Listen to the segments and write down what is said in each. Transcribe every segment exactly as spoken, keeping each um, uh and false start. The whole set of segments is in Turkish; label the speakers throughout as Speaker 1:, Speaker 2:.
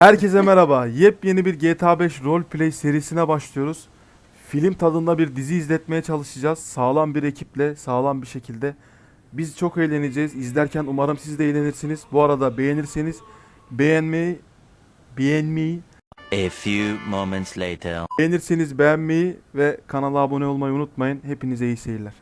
Speaker 1: Herkese merhaba. Yepyeni bir G T A beş Roleplay serisine başlıyoruz. Film tadında bir dizi izletmeye çalışacağız. Sağlam bir ekiple, sağlam bir şekilde. Biz çok eğleneceğiz. İzlerken umarım siz de eğlenirsiniz. Bu arada beğenirseniz beğenmeyi, beğenmeyi,
Speaker 2: A few moments later.
Speaker 1: beğenirseniz beğenmeyi ve kanala abone olmayı unutmayın. Hepinize iyi seyirler.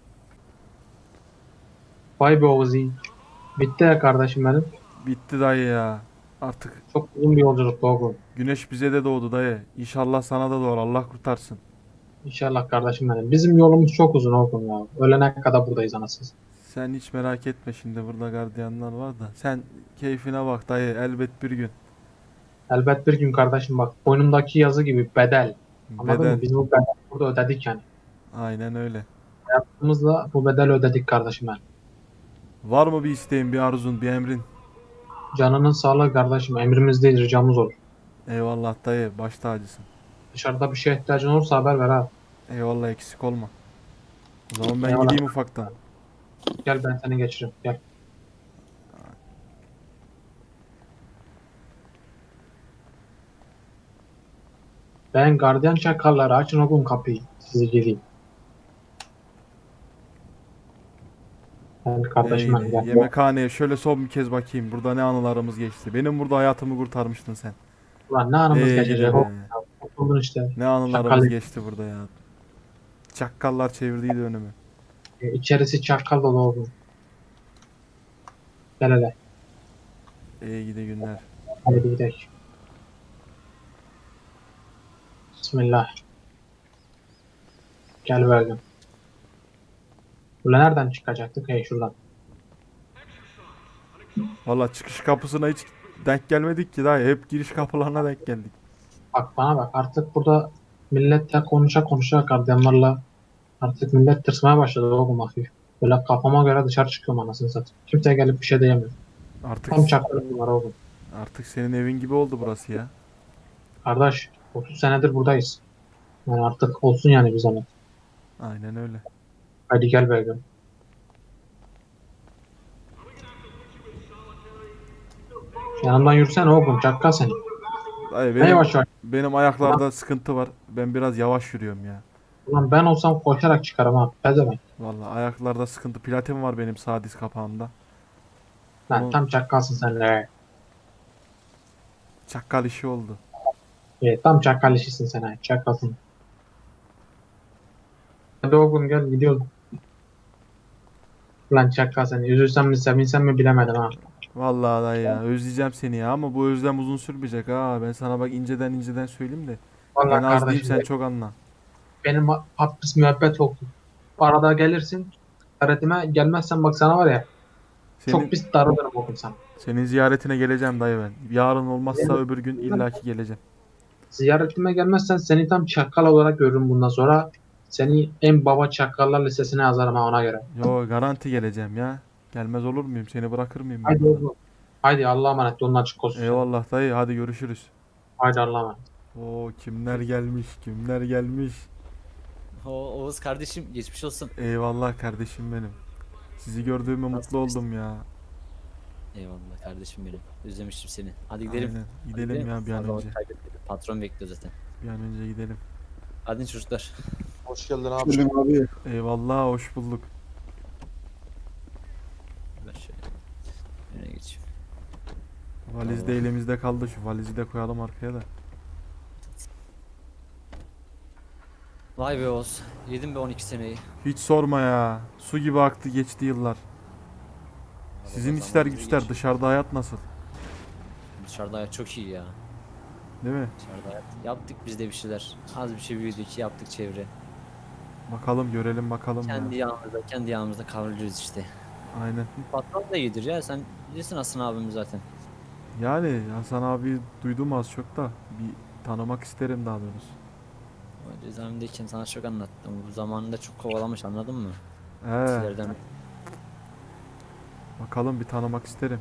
Speaker 3: Vay be Ozi. Bitti ya kardeşim benim.
Speaker 1: Bitti dayı ya. Artık
Speaker 3: Çok uzun bir yolculuktu oğlum.
Speaker 1: güneş bize de doğdu dayı. İnşallah sana da doğar. Allah kurtarsın.
Speaker 3: İnşallah kardeşim benim. Bizim yolumuz çok uzun oğlum ya. Ölene kadar buradayız anasız.
Speaker 1: Sen hiç merak etme, şimdi burada gardiyanlar var da. Sen keyfine bak dayı, elbet bir gün.
Speaker 3: Elbet bir gün kardeşim bak. Boynumdaki yazı gibi bedel. Anladın
Speaker 1: Bedel.
Speaker 3: mı? Biz bu bedeli burada ödedik yani.
Speaker 1: Aynen öyle.
Speaker 3: Hayatımızla bu bedeli ödedik kardeşim benim.
Speaker 1: Var mı bir isteğin, bir arzun, bir emrin?
Speaker 3: Canının sağlığı kardeşim. Emrimiz değil ricamız olur.
Speaker 1: Eyvallah dayı, baş tacısın.
Speaker 3: Dışarıda bir şeye ihtiyacın olursa haber ver ha.
Speaker 1: Eyvallah, eksik olma. O zaman ben
Speaker 3: Eyvallah.
Speaker 1: gideyim ufaktan.
Speaker 3: Gel ben seni geçiririm. Gel. Ben gardiyan çakalları açın oğlum kapıyı. Sizi gireyim. Gel kardeşim benim
Speaker 1: Ee,
Speaker 3: gel.
Speaker 1: yemekhaneye şöyle son bir kez bakayım. Burada ne anılarımız geçti. Benim burada hayatımı kurtarmıştın sen.
Speaker 3: Ulan ne anımız
Speaker 1: Ee,
Speaker 3: geçecek
Speaker 1: gidi
Speaker 3: oğlum.
Speaker 1: be.
Speaker 3: Ya. Oturdun işte.
Speaker 1: Ne anılarımız
Speaker 3: Çakal.
Speaker 1: geçti burada ya. Çakkallar çevirdiydi önümü.
Speaker 3: E, İçerisi çakal dolu oğlum. Gel hele.
Speaker 1: İyi gidi günler.
Speaker 3: Hadi gidelim. Bismillah. Gel verdim. Ulan nereden çıkacaktık? Hey şuradan.
Speaker 1: Valla çıkış kapısına hiç denk gelmedik ki dayı. Hep giriş kapılarına denk geldik.
Speaker 3: Bak bana bak. Artık burada milletle konuşa konuşa gardiyanlarla artık millet tırsmaya başladı oğlum hafif. Böyle kafama göre dışarı çıkıyorum anasını satayım. Kimse gelip bir şey diyemiyor.
Speaker 1: Artık
Speaker 3: Tam çaktırım bunlar oğlum.
Speaker 1: artık senin evin gibi oldu burası ya.
Speaker 3: Kardeş otuz senedir buradayız. Yani artık olsun yani bir zaman.
Speaker 1: Aynen öyle.
Speaker 3: Hadi gel verdim. Yanımdan yürüsene oğlum. Çakkal seni.
Speaker 1: Dayı
Speaker 3: Ne
Speaker 1: benim
Speaker 3: yavaş yavaş.
Speaker 1: benim ayaklarda sıkıntı var. Ben biraz yavaş yürüyorum ya.
Speaker 3: Ulan ben olsam koşarak çıkarım ha. Pezevenk.
Speaker 1: Valla ayaklarda sıkıntı. Platin var benim sağ diz kapağımda.
Speaker 3: Lan
Speaker 1: Onu
Speaker 3: tam çakkalsın sen de.
Speaker 1: çakkal işi oldu.
Speaker 3: Evet, tam çakal işisin sen ha. Çakalsın. Hadi oğlum gel gidiyoruz. Lan çakal seni. Üzülsem mi sevinsem mi bilemedim ha.
Speaker 1: Vallahi dayı ya, özleyeceğim seni ya, ama bu özlem uzun sürmeyecek ha. Ben sana bak inceden inceden söyleyeyim de. Ben
Speaker 3: Vallahi
Speaker 1: az diyeyim,
Speaker 3: kardeşim
Speaker 1: sen çok anla.
Speaker 3: benim hapis müebbet oldu. Arada gelirsin. Öğretime gelmezsen bak sana var ya. Çok
Speaker 1: Senin
Speaker 3: pis darılırım oğlum sana.
Speaker 1: senin ziyaretine geleceğim dayı ben. Yarın olmazsa öbür gün illaki geleceğim.
Speaker 3: Ziyaretime gelmezsen seni tam çakal olarak görürüm bundan sonra. Seni en baba çakallar listesine yazarım ha ona göre.
Speaker 1: Yo, garanti geleceğim ya. Gelmez olur muyum? Seni bırakır mıyım ben
Speaker 3: Haydi
Speaker 1: burada?
Speaker 3: oğlum. Haydi Allah'a emanet. Yolun açık olsun senin.
Speaker 1: Eyvallah dayı, hadi görüşürüz.
Speaker 3: Haydi Allah'a emanet.
Speaker 1: Oo, kimler gelmiş, kimler gelmiş.
Speaker 4: O Oğuz kardeşim geçmiş olsun.
Speaker 1: Eyvallah kardeşim benim. Sizi gördüğüme mutlu
Speaker 4: Nasıl
Speaker 1: oldum ya.
Speaker 4: Eyvallah kardeşim benim. Özlemiştim seni. Hadi gidelim.
Speaker 1: Aynen.
Speaker 4: Hadi
Speaker 1: Gidelim ya bir an
Speaker 4: Fazla
Speaker 1: önce.
Speaker 4: vakit kaybetmeyelim. Patron bekliyor zaten.
Speaker 1: Bir an önce gidelim.
Speaker 4: Hadi çocuklar.
Speaker 5: Hoş geldin abi.
Speaker 1: Eyvallah, hoş bulduk.
Speaker 4: Ben şöyle öne geçeyim.
Speaker 1: Valiz de
Speaker 4: Allah.
Speaker 1: elimizde kaldı. Şu valizi de koyalım arkaya da.
Speaker 4: Vay be Oğuz. Yedim be on iki seneyi.
Speaker 1: Hiç sorma ya. Su gibi aktı geçti yıllar. Sizin
Speaker 4: Vallahi
Speaker 1: işler
Speaker 4: zaman hızlı
Speaker 1: güçler,
Speaker 4: geçiyor.
Speaker 1: dışarıda hayat nasıl?
Speaker 4: Dışarıda hayat çok iyi ya.
Speaker 1: Değil mi?
Speaker 4: Dışarıda hayat. Yaptık biz de bir şeyler. Az bir şey büyüdük. Yaptık çevre.
Speaker 1: Bakalım, görelim bakalım
Speaker 4: Kendi
Speaker 1: ya.
Speaker 4: yağımızda, kendi yağımızda kavruluyoruz işte.
Speaker 1: Aynen.
Speaker 4: Patron da iyidir ya. Sen bilirsin Hasan abimiz zaten.
Speaker 1: Yani Hasan abi duydum az çok da bir tanımak isterim daha doğrusu.
Speaker 4: O cezaevindeyken sana çok anlattım. Bu zamanında çok kovalamış anladın mı?
Speaker 1: He,
Speaker 4: Sizlerden
Speaker 1: bakalım bir tanımak isterim.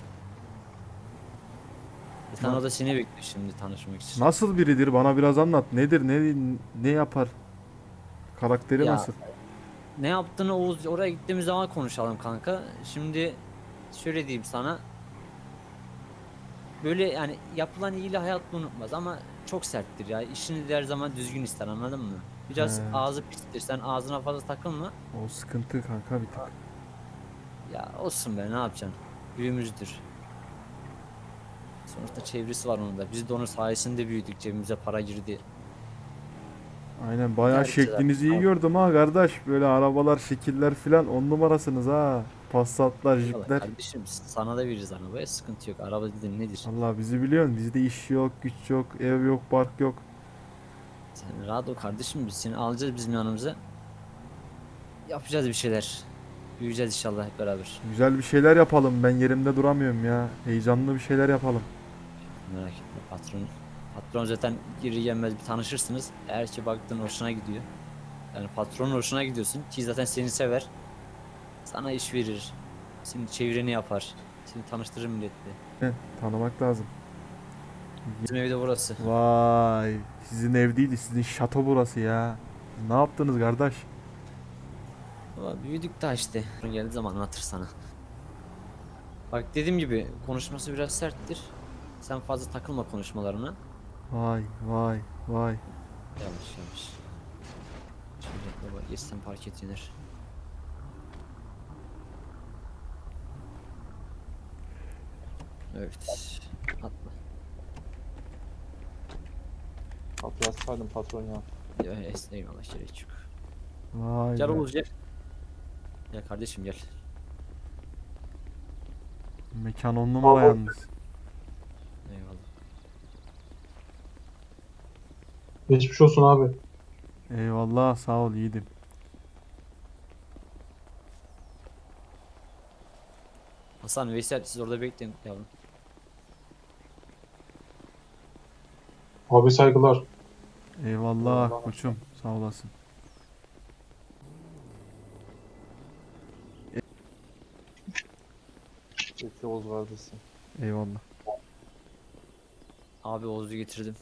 Speaker 4: Bir tane o da seni bekliyor şimdi tanışmak için.
Speaker 1: Nasıl biridir? Bana biraz anlat. Nedir? Ne ne yapar? Karakteri
Speaker 4: Ya,
Speaker 1: nasıl?
Speaker 4: Ne yaptığını Oğuz oraya gittiğimiz zaman konuşalım kanka. Şimdi şöyle diyeyim sana. böyle yani yapılan iyiliği hayat unutmaz ama çok serttir ya. İşini de her zaman düzgün ister, anladın mı? Biraz
Speaker 1: He.
Speaker 4: ağzı pistir. Sen ağzına fazla takılma.
Speaker 1: O sıkıntı kanka bir tık.
Speaker 4: Ya olsun be, ne yapacaksın? Büyüğümüzdür. Sonuçta çevresi var onun da. Biz de onun sayesinde büyüdük. Cebimize para girdi.
Speaker 1: Aynen bayağı
Speaker 4: Her şey
Speaker 1: şeklinizi iyi
Speaker 4: zaten-
Speaker 1: gördüm ha kardeş. Böyle arabalar, şekiller filan on numarasınız ha. Passatlar,
Speaker 4: Eyvallah
Speaker 1: jipler.
Speaker 4: kardeşim, sana da veririz arabaya, sıkıntı yok. Araba dedin nedir?
Speaker 1: Allah bizi biliyorsun. Bizde iş yok, güç yok, ev yok, bark yok.
Speaker 4: Sen rahat ol kardeşim, biz seni alacağız bizim yanımıza. Yapacağız bir şeyler. Büyüyeceğiz inşallah hep beraber.
Speaker 1: Güzel bir şeyler yapalım. Ben yerimde duramıyorum ya. Heyecanlı bir şeyler yapalım.
Speaker 4: Merak etme patron. Patron zaten geri gelmez bir tanışırsınız. Eğer ki baktın hoşuna gidiyor. Yani patronun hoşuna gidiyorsun ki zaten seni sever. Sana iş verir. Senin çevreni yapar. Seni tanıştırır milletle.
Speaker 1: Heh, tanımak lazım.
Speaker 4: Bizim evde burası.
Speaker 1: Vay. Sizin ev değil, sizin şato burası ya. Ne yaptınız kardeş?
Speaker 4: Valla büyüdük daha işte. Geldiği zaman anlatır sana. Bak dediğim gibi konuşması biraz serttir. Sen fazla takılma konuşmalarına.
Speaker 1: Vay vay vay.
Speaker 4: Yanlış yanlış. Şimdi baba geçsen park et iner. Evet. Atla.
Speaker 5: Kapıyı açsaydım patron ya.
Speaker 4: Ya, es- eyvallah gerek yok.
Speaker 1: Vay
Speaker 4: Gel
Speaker 1: be.
Speaker 4: Oğuz gel. Gel kardeşim gel.
Speaker 1: Mekan on numara yalnız.
Speaker 4: Eyvallah.
Speaker 3: Geçmiş olsun abi.
Speaker 1: Eyvallah sağ ol yiğidim.
Speaker 4: Hasan, Veysel siz orada bekleyin yavrum.
Speaker 3: Abi saygılar.
Speaker 1: Eyvallah
Speaker 5: Eyvallah.
Speaker 1: koçum sağ olasın.
Speaker 5: Peki Oğuz kardeşim.
Speaker 1: Eyvallah.
Speaker 4: Abi Oğuz'u getirdim.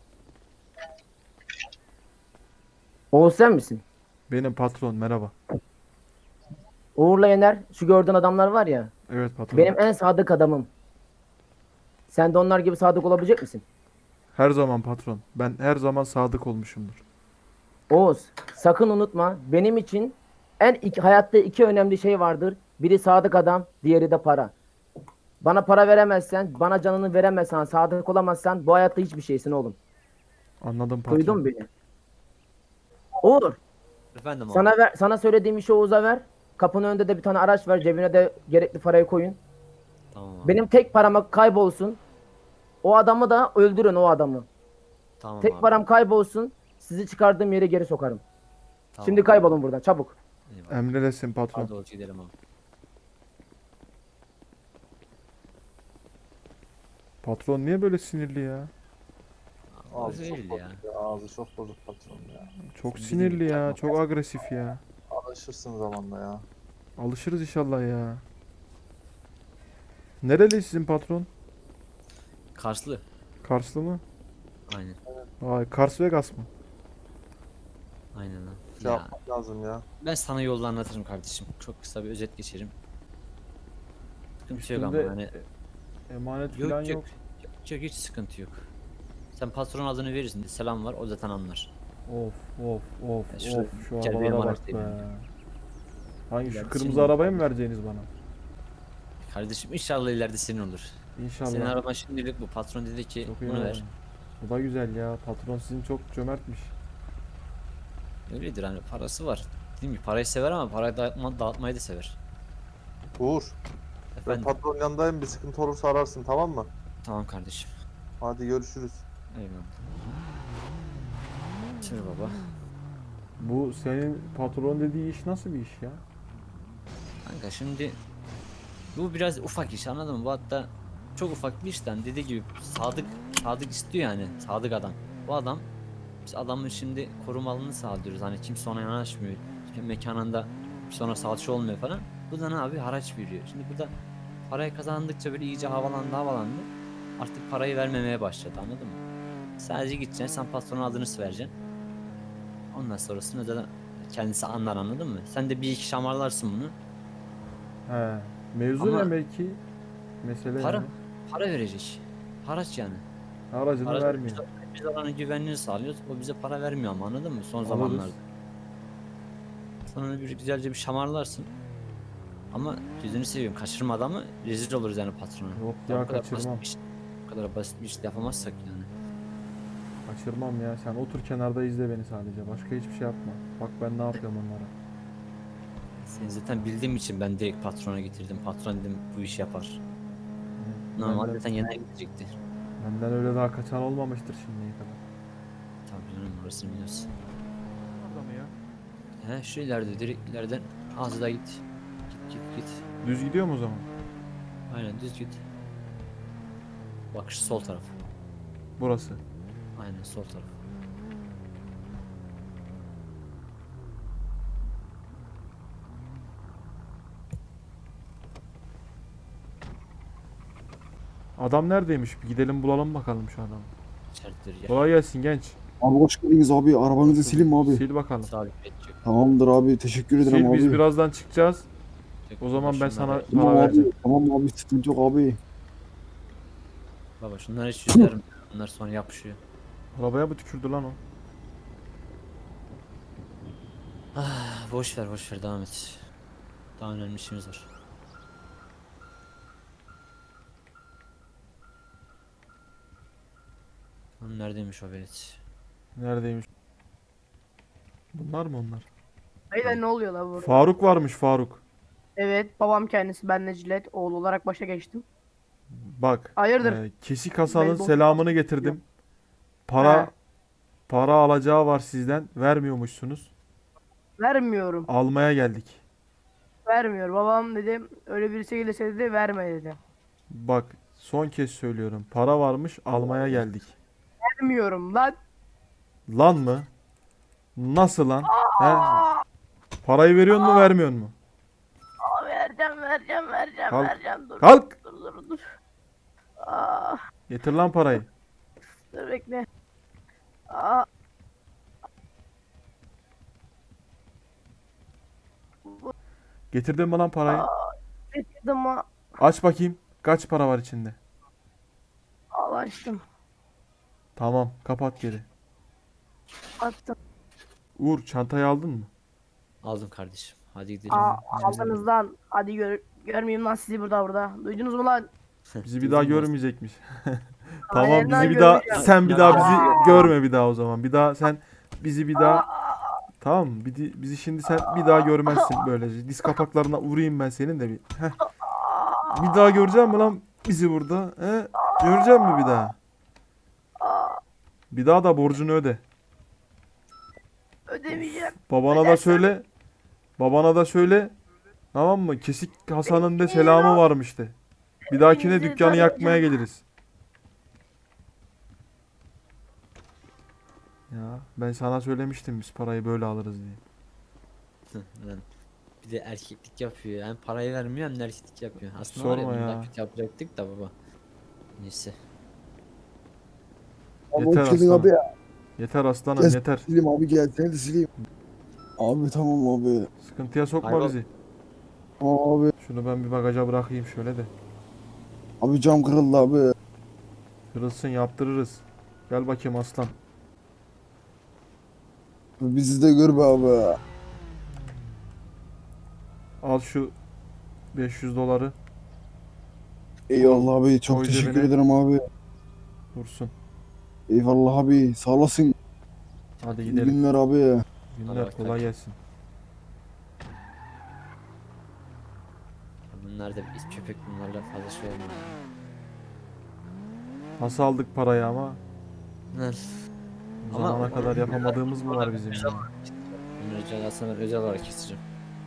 Speaker 6: Oğuz sen misin?
Speaker 1: Benim patron merhaba.
Speaker 6: Uğur'la Yener, şu gördüğün adamlar var ya,
Speaker 1: Evet patron.
Speaker 6: benim en sadık adamım. Sen de onlar gibi sadık olabilecek misin?
Speaker 1: Her zaman patron. Ben her zaman sadık olmuşumdur.
Speaker 6: Oğuz, sakın unutma, benim için en iki, hayatta iki önemli şey vardır. Biri sadık adam, diğeri de para. Bana para veremezsen, bana canını veremezsen, sadık olamazsan bu hayatta hiçbir şeysin oğlum.
Speaker 1: Anladım patron.
Speaker 6: Duydun mu beni? Uğur,
Speaker 4: Efendim abi.
Speaker 6: sana ver, sana söylediğim işi Oğuz'a ver. Kapının önünde de bir tane araç ver, cebine de gerekli parayı koyun.
Speaker 4: Tamam abi.
Speaker 6: Benim tek param kaybolsun. O adamı da öldürün o adamı.
Speaker 4: Tamam
Speaker 6: Tek
Speaker 4: abi.
Speaker 6: param kaybolsun. Sizi çıkardığım yere geri sokarım.
Speaker 4: Tamam
Speaker 6: Şimdi
Speaker 4: abi.
Speaker 6: kaybolun buradan çabuk.
Speaker 4: Eyvallah.
Speaker 1: Emredesin patron.
Speaker 4: Hadi Oğuz gidelim abi.
Speaker 1: Patron niye böyle sinirli ya?
Speaker 4: Ağzı
Speaker 5: Ağzı çok
Speaker 4: değil
Speaker 5: bozuk
Speaker 4: ya.
Speaker 5: ya. Ağzı çok bozuk patron ya.
Speaker 1: Çok
Speaker 4: Sen
Speaker 1: sinirli
Speaker 4: bildiğin
Speaker 1: ya.
Speaker 4: yapma
Speaker 1: Çok agresif ya.
Speaker 5: Alışırsın zamanla ya.
Speaker 1: Alışırız inşallah ya. Nereli sizin patron?
Speaker 4: Karslı.
Speaker 1: Karslı mı?
Speaker 4: Aynen.
Speaker 1: Vay Kars Vegas mı?
Speaker 4: Aynen lan.
Speaker 5: Şey
Speaker 4: Ya
Speaker 5: yapmak lazım ya.
Speaker 4: ben sana yolda anlatırım kardeşim. Çok kısa bir özet geçerim. Sıkıntı yok ama
Speaker 1: Üstünde
Speaker 4: yani.
Speaker 1: emanet
Speaker 4: Yok
Speaker 1: falan
Speaker 4: yok.
Speaker 1: yok.
Speaker 4: Yok yok, hiç sıkıntı yok. Sen patron adını verirsin de selam var, o zaten anlar.
Speaker 1: Of of of
Speaker 4: Ya şurada
Speaker 1: of şu
Speaker 4: gel bir
Speaker 1: arabalara
Speaker 4: emanet
Speaker 1: bak be.
Speaker 4: vereyim.
Speaker 1: Hangi
Speaker 4: İleride
Speaker 1: şu kırmızı
Speaker 4: senin
Speaker 1: arabayı
Speaker 4: olur.
Speaker 1: mı vereceğiniz bana?
Speaker 4: Kardeşim inşallah ileride senin olur.
Speaker 1: İnşallah.
Speaker 4: Senin araban şimdilik bu. Patron dedi ki
Speaker 1: Çok iyi
Speaker 4: bunu
Speaker 1: ya.
Speaker 4: ver.
Speaker 1: Bu da güzel ya. Patron sizin çok cömertmiş.
Speaker 4: Öyledir hani, parası var. Değil mi? Parayı sever ama parayı dağıtma, dağıtmayı da sever.
Speaker 5: Uğur. Ben
Speaker 4: Efendim.
Speaker 5: patron yanındayım. Bir sıkıntı olursa ararsın tamam mı?
Speaker 4: Tamam kardeşim.
Speaker 5: Hadi görüşürüz.
Speaker 4: Eyvallah. Sür baba.
Speaker 1: Bu senin patron dediği iş nasıl bir iş ya?
Speaker 4: Kanka şimdi bu biraz ufak iş, anladın mı? Bu hatta çok ufak bir işten dediği gibi sadık sadık istiyor yani, sadık adam. Bu adam, biz adamın şimdi korumalını sağlıyoruz. Hani kimse ona yanaşmıyor. Hem mekanında kimse ona salça olmuyor falan. Bu da ne abi, haraç veriyor. Şimdi burada parayı kazandıkça böyle iyice havalandı havalandı. Artık parayı vermemeye başladı, anladın mı? Sadece gideceksin, sen patronun adını vereceksin. Ondan sonrasını da kendisi anlar, anladın mı? Sen de bir iki şamarlarsın bunu.
Speaker 1: He. Mevzu
Speaker 4: Ama-
Speaker 1: ne belki? Mesele
Speaker 4: Para.
Speaker 1: yani.
Speaker 4: Para verecek. Haraç yani.
Speaker 1: Aracını
Speaker 4: Haraç
Speaker 1: vermiyor.
Speaker 4: biz, biz oranın güvenliğini sağlıyoruz. O bize para vermiyor ama anladın mı? Son
Speaker 1: Alırız.
Speaker 4: zamanlarda. Sonra bir güzelce bir şamarlarsın. Ama yüzünü seviyorum. Kaçırma adamı, rezil oluruz yani patrona.
Speaker 1: Yok
Speaker 4: Ya
Speaker 1: ya,
Speaker 4: bu kadar basit
Speaker 1: kaçırmam.
Speaker 4: bir iş- Bu kadar basit bir iş yapamazsak yani.
Speaker 1: Kaçırmam ya. Sen otur kenarda izle beni sadece. Başka hiçbir şey yapma. Bak ben ne yapıyorum onlara.
Speaker 4: Seni zaten bildiğim için ben direkt patrona getirdim. Patron dedim bu işi yapar.
Speaker 1: Hı,
Speaker 4: Normalde
Speaker 1: benden,
Speaker 4: zaten yener gidecekti.
Speaker 1: benden öyle daha kaçan olmamıştır şimdiye kadar.
Speaker 4: Tabii canım orasını biliyorsun.
Speaker 1: Orada mı ya?
Speaker 4: He şu ileride direkt ileriden az da git. Git git git.
Speaker 1: Düz gidiyor mu o zaman?
Speaker 4: Aynen düz git. Bak şu sol taraf.
Speaker 1: Burası.
Speaker 4: Aynen sol taraf.
Speaker 1: Adam neredeymiş? Bir gidelim bulalım bakalım şu adamı.
Speaker 4: İçeridir ya.
Speaker 1: Kolay gelsin genç.
Speaker 7: Abi hoş geldiniz abi. Arabanızı sileyim mi abi?
Speaker 1: Sil bakalım.
Speaker 4: Sabit edecek.
Speaker 7: Tamamdır abi. Teşekkür ederim
Speaker 1: Sil,
Speaker 7: abi.
Speaker 1: biz birazdan çıkacağız. O zaman ben sana
Speaker 4: Şunları-
Speaker 1: para
Speaker 7: Tamam
Speaker 1: vereceğim.
Speaker 7: abi. Tamam abi. Sıkıntı yok abi.
Speaker 4: Baba şunları hiç yüzlerim. Bunlar sonra yapışıyor.
Speaker 1: Arabaya mı tükürdü lan o?
Speaker 4: Ah, boş ver boş ver devam et. Daha önemli işimiz var. Lan neredeymiş o velet?
Speaker 1: Neredeymiş? Bunlar mı onlar?
Speaker 8: Beyler ne oluyor la burada?
Speaker 1: Faruk varmış, Faruk.
Speaker 8: Evet, babam kendisi, ben Necdet, oğul olarak başa geçtim.
Speaker 1: Bak.
Speaker 8: Hayırdır?
Speaker 1: e, Kesik Hasan'ın
Speaker 8: Beyzbol
Speaker 1: selamını getirdim. Para
Speaker 8: He.
Speaker 1: para alacağı var sizden. Vermiyormuşsunuz.
Speaker 8: Vermiyorum,
Speaker 1: Almaya geldik.
Speaker 8: vermiyor. Babam dedi, öyle birisi gelirse dedi, verme dedi.
Speaker 1: Bak, son kez söylüyorum. Para varmış, almaya geldik.
Speaker 8: Vermiyorum lan.
Speaker 1: Lan mı? Nasıl lan? He? Parayı veriyor mu, vermiyor mu?
Speaker 8: Aa, vereceğim, vereceğim, vereceğim,
Speaker 1: Kalk.
Speaker 8: vereceğim. Dur,
Speaker 1: Kalk!
Speaker 8: dur, dur, dur. Aa,
Speaker 1: Getir lan parayı.
Speaker 8: dur bekle. Aa,
Speaker 1: Getirdin mi lan parayı?
Speaker 8: getirdim ha.
Speaker 1: Aç bakayım. Kaç para var içinde?
Speaker 8: Al açtım.
Speaker 1: Tamam, kapat geri.
Speaker 8: Attım.
Speaker 1: Uğur, çantayı aldın mı?
Speaker 4: Aldım kardeşim. Hadi gidelim.
Speaker 8: Aa, aldınız lan. Hadi gör, görmeyeyim lan sizi burada burada. Duydunuz mu lan?
Speaker 1: Bizi bir daha
Speaker 4: Duydum ben.
Speaker 1: görmeyecekmiş. Tamam,
Speaker 8: Aynen
Speaker 1: bizi
Speaker 8: lan,
Speaker 1: bir daha
Speaker 8: görmeyeceğim.
Speaker 1: sen bir
Speaker 4: Ya,
Speaker 1: daha
Speaker 4: ya.
Speaker 1: bizi görme bir daha o zaman. Bir daha sen bizi bir daha tamam mı? Bir, di- bizi şimdi sen bir daha görmezsin böylece. Diz kapaklarına vurayım ben senin de bir. Heh. Bir daha göreceğim mi lan bizi burada? He? Göreceğim mi bir daha? Bir daha da borcunu öde.
Speaker 8: Ödemeyeceğim.
Speaker 1: Babana da söyle. Babana da söyle. Tamam mı? Kesik Hasan'ın da selamı varmış de. Bir dahakine
Speaker 8: Hepinizi
Speaker 1: dükkanı yakmaya
Speaker 8: tanıyacağım.
Speaker 1: geliriz. Ya ben sana söylemiştim biz parayı böyle alırız diye.
Speaker 4: Lan bir de erkeklik yapıyor. Hem parayı vermiyor hem de erkeklik yapıyor. Aslında var ya
Speaker 1: Sorma
Speaker 4: bunu
Speaker 1: ya.
Speaker 4: daha kötü yapacaktık da baba. Neyse.
Speaker 7: Abi
Speaker 1: Yeter
Speaker 7: hoş geldin
Speaker 1: aslanım.
Speaker 7: abi.
Speaker 1: Yeter aslanım
Speaker 7: Gel
Speaker 1: yeter.
Speaker 7: sileyim abi, gel seni de sileyim. Abi tamam abi.
Speaker 1: Sıkıntıya sokma
Speaker 4: Hayvan.
Speaker 1: bizi.
Speaker 7: Tamam abi.
Speaker 1: Şunu ben bir bagaja bırakayım şöyle de.
Speaker 7: Abi cam kırıldı abi.
Speaker 1: Kırılsın, yaptırırız. Gel bakayım aslan.
Speaker 7: Bizi de gör be abi.
Speaker 1: Al şu beş yüz doları.
Speaker 7: Eyvallah abi. Çok
Speaker 1: Koy
Speaker 7: teşekkür
Speaker 1: cebine.
Speaker 7: ederim abi.
Speaker 1: Dursun.
Speaker 7: Eyvallah abi. Sağ olasın.
Speaker 1: Hadi
Speaker 7: İyi
Speaker 1: gidelim.
Speaker 7: günler abi.
Speaker 1: Günler
Speaker 4: Hadi
Speaker 1: kolay
Speaker 4: bakalım.
Speaker 1: gelsin.
Speaker 4: Bunlar da bir köpek bunlarla fazla şey olmuyor.
Speaker 1: Nasıl aldık parayı ama?
Speaker 4: Lan.
Speaker 1: Bu
Speaker 4: Ama-
Speaker 1: zamana kadar yapamadığımız mı var bizim ya?
Speaker 4: Bunları cezasını ben özel olarak keseceğim.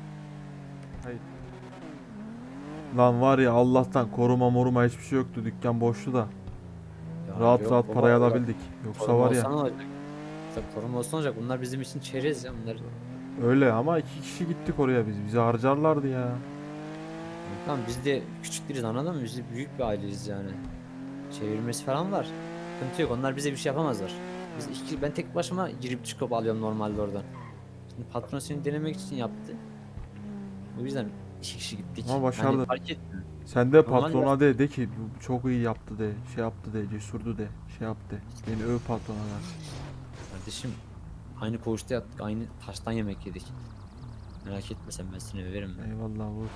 Speaker 1: Lan var ya, Allah'tan koruma moruma hiçbir şey yoktu. Dükkan boştu da.
Speaker 4: Ya
Speaker 1: Rahat
Speaker 4: yok
Speaker 1: rahat
Speaker 4: baba,
Speaker 1: parayı
Speaker 4: baba.
Speaker 1: alabildik. Yoksa
Speaker 4: Koruma
Speaker 1: var ya.
Speaker 4: olsa ne olacak? Tabii koruma olsa ne olacak? Bunlar bizim için çerez ya bunlar.
Speaker 1: Öyle ama iki kişi gittik oraya biz. Bizi harcarlardı ya.
Speaker 4: Tamam biz de küçük değiliz anladın mı? Biz de büyük bir aileyiz yani. Çevirmesi falan var. Sıkıntı yok. Onlar bize bir şey yapamazlar. Biz iki, ben tek başıma girip çıkıp alıyorum normalde oradan. Şimdi patron seni denemek için yaptı. O yüzden iki kişi gittik.
Speaker 1: Ama başardı.
Speaker 4: Yani fark etmiyor.
Speaker 1: Sen de
Speaker 4: Normal
Speaker 1: patrona de de ki bu çok iyi yaptı de, şey yaptı de, cesurdu de, şey yaptı de. Beni öv patrona da.
Speaker 4: Kardeşim aynı koğuşta yattık, aynı taştan yemek yedik. Merak etme sen, ben seni överim ben.
Speaker 1: Eyvallah vur.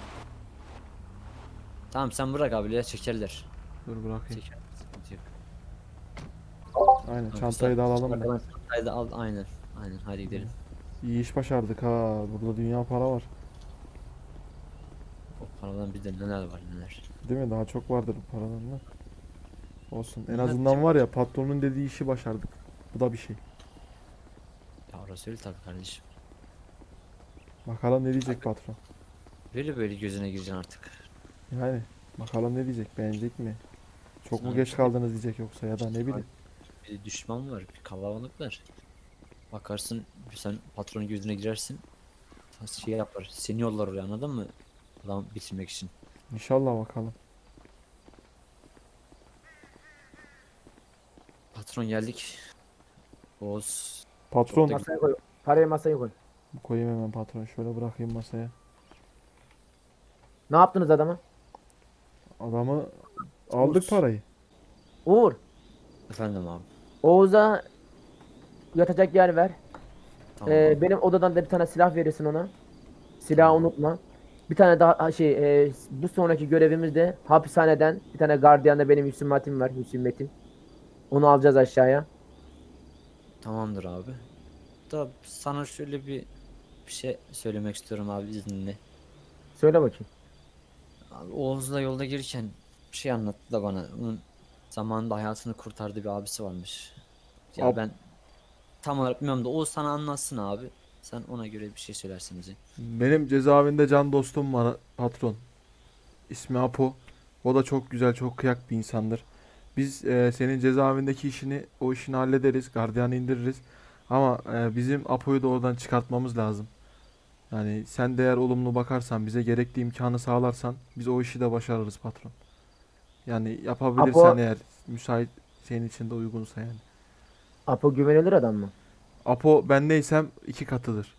Speaker 4: Tamam sen bırak abi ya, çekerler.
Speaker 1: Dur bırakayım.
Speaker 4: Çeker. Sıkıntı yok.
Speaker 1: Aynen
Speaker 4: Tamam,
Speaker 1: çantayı da alalım da.
Speaker 6: Bakalım.
Speaker 4: Haydi al, aynen. Aynen hadi gidelim.
Speaker 1: İyi iş başardık ha. Burada dünya para var.
Speaker 4: O paradan bizde neler var neler.
Speaker 1: Değil mi? Daha çok vardır bu paradan da. Olsun. En
Speaker 4: Ne
Speaker 1: azından
Speaker 4: yapacak?
Speaker 1: var ya patronun dediği işi başardık. Bu da bir şey.
Speaker 4: Ya orası öyle tabii kardeşim.
Speaker 1: Bakalım ne diyecek patron.
Speaker 4: Böyle böyle gözüne gireceksin artık.
Speaker 1: Yani bakalım ne diyecek, beğenecek mi? Çok mu
Speaker 4: Sana
Speaker 1: geç
Speaker 4: bir şey-
Speaker 1: kaldınız diyecek yoksa ya da ne bileyim.
Speaker 4: Bir düşman var, bir kalabalık var. Bakarsın sen patronun gözüne girersin. Şey yapar, seni yollar oraya, anladın mı? Adam bitirmek için.
Speaker 1: İnşallah bakalım.
Speaker 4: Patron geldik. Oğuz.
Speaker 1: Patron
Speaker 4: Çok da-
Speaker 6: Masaya koy. Parayı masaya koy.
Speaker 1: koyayım hemen patron. Şöyle bırakayım masaya.
Speaker 6: Ne yaptınız adama?
Speaker 1: Adamı aldık
Speaker 4: Uğur.
Speaker 1: parayı.
Speaker 6: Uğur.
Speaker 4: Efendim abi.
Speaker 6: Oğuz'a yatacak yer ver.
Speaker 4: Tamam.
Speaker 6: Ee,
Speaker 4: abi.
Speaker 6: benim odadan da bir tane silah verirsin ona. Silahı unutma. Bir tane daha ha, şey e, bu sonraki görevimiz de hapishaneden bir tane gardiyanda benim hüsmetim var, hüsmetim. Onu alacağız aşağıya.
Speaker 4: Tamamdır abi. Da sana şöyle bir bir şey söylemek istiyorum abi, izninle.
Speaker 6: Söyle bakayım.
Speaker 4: Abi Oğuz'la yolda gelirken bir şey anlattı da bana. Onun zamanında hayatını kurtardığı bir abisi varmış. Ya
Speaker 1: Ab-
Speaker 4: ben tam olarak bilmiyorum da Oğuz sana anlatsın abi. Sen ona göre bir şey söylersin bize.
Speaker 1: Benim cezaevinde can dostum var patron. İsmi Apo. O da çok güzel, çok kıyak bir insandır. Biz e, senin cezaevindeki işini, o işini hallederiz. Gardiyanı indiririz. Ama e, bizim Apo'yu da oradan çıkartmamız lazım. Yani sen de eğer olumlu bakarsan, bize gerekli imkanı sağlarsan biz o işi de başarırız patron. Yani yapabilirsen
Speaker 6: Apo-
Speaker 1: eğer müsait senin için de uygunsa yani.
Speaker 6: Apo güvenilir adam mı?
Speaker 1: Apo ben neysem iki katıdır.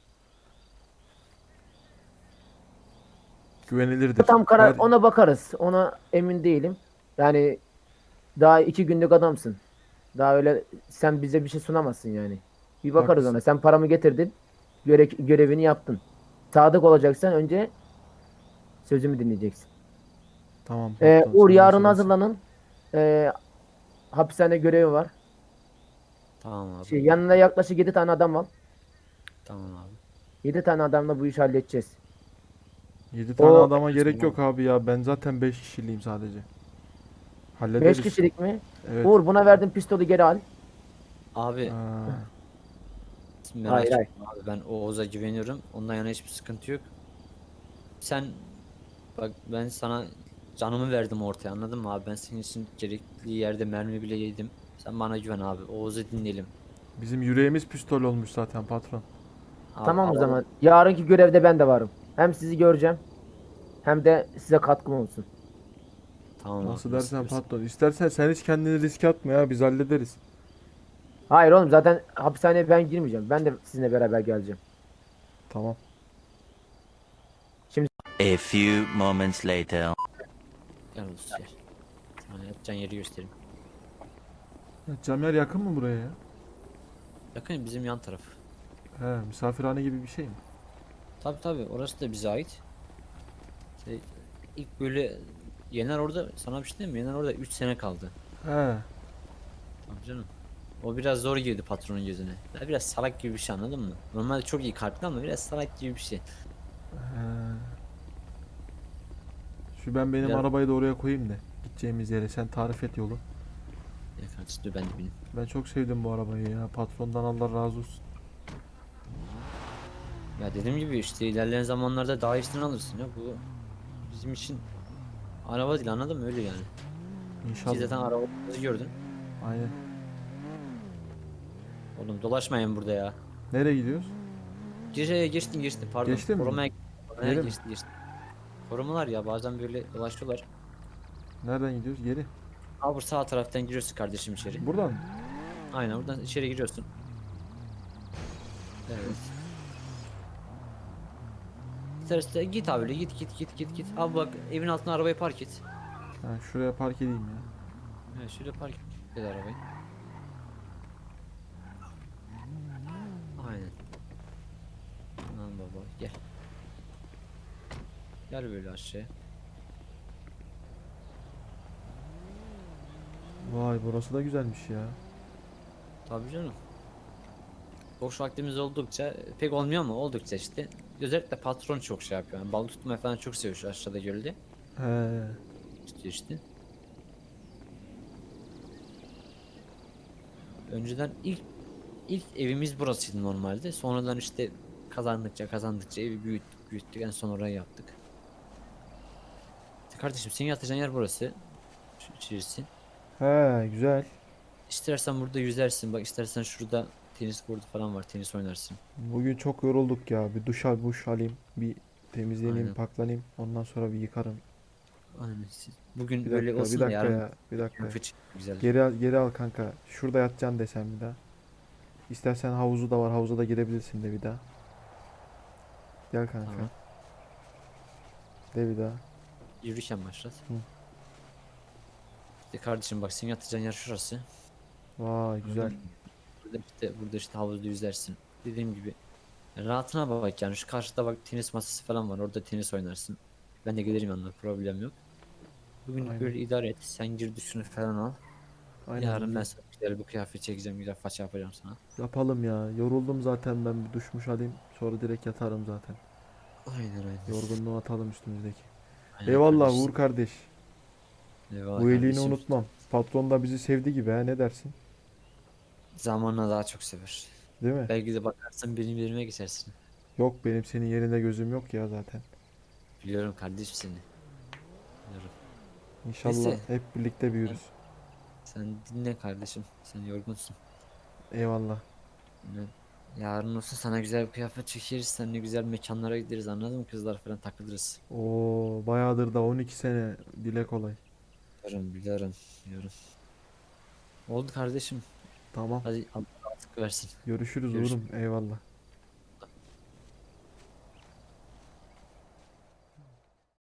Speaker 1: Güvenilirdir.
Speaker 6: Tam karar
Speaker 1: Her-
Speaker 6: ona bakarız. Ona emin değilim. Yani daha iki günlük adamsın. Daha öyle sen bize bir şey sunamazsın yani. Bir bakarız
Speaker 1: Haklısın.
Speaker 6: ona. Sen paramı getirdin. Göre görevini yaptın. Sadık olacaksan önce sözümü dinleyeceksin.
Speaker 1: Tamam
Speaker 6: Ee,
Speaker 1: patron,
Speaker 6: Uğur
Speaker 1: sen
Speaker 6: yarın
Speaker 1: söylesin.
Speaker 6: hazırlanın. Ee, hapishane görevi var.
Speaker 4: Tamam abi.
Speaker 6: Şey, yanına yaklaşık yedi tane adam al.
Speaker 4: Tamam abi.
Speaker 6: yedi tane adamla bu işi halledeceğiz.
Speaker 1: yedi tane
Speaker 6: O-
Speaker 1: adama gerek yok abi ya. Ben zaten beş kişiliğim sadece.
Speaker 6: beş
Speaker 1: Hallederiz.
Speaker 6: kişilik mi?
Speaker 1: Evet.
Speaker 6: Uğur buna verdiğin pistolü geri al.
Speaker 4: Abi
Speaker 1: Aa,
Speaker 4: merak
Speaker 6: Hayır, hayır.
Speaker 4: etme abi, ben Oğuz'a güveniyorum. Ondan yana hiçbir sıkıntı yok. Sen bak, ben sana canımı verdim ortaya, anladın mı abi? Ben senin için gerekli yerde mermi bile yedim. Sen bana güven abi. Oğuz'u dinleyelim.
Speaker 1: bizim yüreğimiz pistol olmuş zaten patron.
Speaker 4: Abi,
Speaker 6: Tamam o
Speaker 4: al-
Speaker 6: zaman. Yarınki görevde ben de varım. Hem sizi göreceğim. Hem de size katkım olsun.
Speaker 4: Tamam
Speaker 1: Nasıl
Speaker 4: abi,
Speaker 1: dersen
Speaker 4: istiyorsan.
Speaker 1: patron. İstersen sen hiç kendini riske atma ya. Biz hallederiz.
Speaker 6: Hayır oğlum zaten hapishaneye ben girmeyeceğim. Ben de sizinle beraber geleceğim.
Speaker 1: Tamam.
Speaker 2: A few moments later.
Speaker 4: Gel Oğuz gel. Sana yatacağın yeri göstereyim.
Speaker 1: Ya, Camer yakın mı buraya ya?
Speaker 4: Yakın, bizim yan taraf.
Speaker 1: He, misafirhane gibi bir şey mi?
Speaker 4: Tabi tabi, orası da bize ait. Şey, ilk böyle Yener orada, sana bir şey diyeyim mi? Yener orada üç sene kaldı.
Speaker 1: He.
Speaker 4: Tabii canım. O biraz zor girdi patronun gözüne. Ya biraz salak gibi bir şey, anladın mı? Normalde çok iyi kalpli ama biraz salak gibi bir şey.
Speaker 1: He. Şu ben benim
Speaker 4: Ya-
Speaker 1: arabayı da oraya koyayım da. Gideceğimiz yere sen tarif et yolu.
Speaker 4: Ya kardeşim dur ben de bineyim.
Speaker 1: Ben çok sevdim bu arabayı ya. Patrondan Allah razı olsun.
Speaker 4: Ya dediğim gibi işte ilerleyen zamanlarda daha iyisini alırsın ya. Bu bizim için araba değil, anladın mı? Öyle yani. Ki
Speaker 1: İnşallah.
Speaker 4: zaten arabamızı gördün.
Speaker 1: Aynen.
Speaker 4: Oğlum dolaşmayın burada ya.
Speaker 1: Nereye gidiyoruz?
Speaker 4: Gece geçtin geçtin pardon.
Speaker 1: Geçtin mi?
Speaker 4: Korumaya korumaya
Speaker 1: Geri mi?
Speaker 4: geçti geçti. Korumalar ya bazen böyle dolaşıyorlar.
Speaker 1: Nereden gidiyoruz? Geri.
Speaker 4: Abi sağ taraftan giriyorsun kardeşim içeri.
Speaker 1: Buradan mı?
Speaker 4: Aynen buradan içeri giriyorsun. Evet. İstersen git abi öyle, git git git git git. Abi bak evin altına arabayı park et.
Speaker 1: Ben şuraya park edeyim ya.
Speaker 4: Evet şöyle park et arabayı. Aynen. Lan baba gel. Gel böyle aşağıya.
Speaker 1: Vay burası da güzelmiş ya.
Speaker 4: Tabii canım. Boş vaktimiz oldukça pek olmuyor ama oldukça işte. Özellikle patron çok şey yapıyor. Yani balık tutmayı falan çok seviyor şu aşağıda gölde.
Speaker 1: He.
Speaker 4: Tutuyor işte. Önceden ilk ilk evimiz burasıydı normalde. Sonradan işte kazandıkça kazandıkça evi büyüttük büyüttük en son orayı yaptık. İşte kardeşim senin yatacağın yer burası. Şu içerisi.
Speaker 1: He güzel.
Speaker 4: İstersen burada yüzersin. Bak istersen şurada tenis kortu falan var. Tenis oynarsın.
Speaker 1: Bugün çok yorulduk ya. Bir duş al, buş alayım. Bir temizleneyim,
Speaker 4: Aynen.
Speaker 1: paklanayım. Ondan sonra bir yıkarım.
Speaker 4: Aynen. siz- Bugün
Speaker 1: Bir
Speaker 4: böyle
Speaker 1: dakika, bir
Speaker 4: olsun da
Speaker 1: dakika
Speaker 4: yarın
Speaker 1: ya. Bir dakika.
Speaker 4: fıç güzel.
Speaker 1: Geri al, geri al kanka. Şurada yatacaksın desem bir daha. İstersen havuzu da var. Havuza da girebilirsin de bir daha. Gel kanka.
Speaker 4: Tamam.
Speaker 1: De bir daha.
Speaker 4: Yürürken başlat.
Speaker 1: Hı.
Speaker 4: İşte kardeşim bak senin yatacağın yer şurası.
Speaker 1: Vay güzel.
Speaker 4: Burada işte, burada işte havuzda yüzersin. Dediğim gibi rahatına bak yani şu karşıda bak tenis masası falan var orada tenis oynarsın. Ben de gelirim yanına problem yok. Bugün
Speaker 1: Aynen.
Speaker 4: böyle idare et sen gir duşunu falan al.
Speaker 1: Aynen.
Speaker 4: Yarın ben
Speaker 1: güzel.
Speaker 4: sana güzel bir kıyafet çekeceğim güzel faça yapacağım sana.
Speaker 1: Yapalım ya. Yoruldum zaten ben bir duşmuş alayım. Sonra direkt yatarım zaten.
Speaker 4: Aynen aynen.
Speaker 1: Yorgunluğu atalım üstümüzdeki.
Speaker 4: Aynen
Speaker 1: Eyvallah
Speaker 4: kardeşim.
Speaker 1: Uğur kardeş.
Speaker 4: Eyvallah
Speaker 1: Bu iyiliğini
Speaker 4: kardeşim.
Speaker 1: unutmam. Patron da bizi sevdi gibi ha ne dersin?
Speaker 4: Zamanla daha çok sever.
Speaker 1: Değil mi?
Speaker 4: Belki de bakarsın benim yerime geçersin.
Speaker 1: Yok benim senin yerinde gözüm yok ya zaten.
Speaker 4: Biliyorum kardeşim seni. Biliyorum.
Speaker 1: İnşallah
Speaker 4: Neyse.
Speaker 1: hep birlikte büyürüz.
Speaker 4: Sen dinle kardeşim. Sen yorgunsun.
Speaker 1: Eyvallah.
Speaker 4: Yani yarın olsa sana güzel bir kıyafet çekeriz. Seninle güzel mekanlara gideriz anladın mı? Kızlar falan takılırız.
Speaker 1: Oo bayağıdır da on iki sene dile kolay.
Speaker 4: Biliyorum biliyorum. Biliyorum. Oldu kardeşim.
Speaker 1: Tamam.
Speaker 4: Hadi Allah rahatlık versin.
Speaker 1: Görüşürüz
Speaker 4: Görüşürüz.
Speaker 1: Uğur'um. Eyvallah.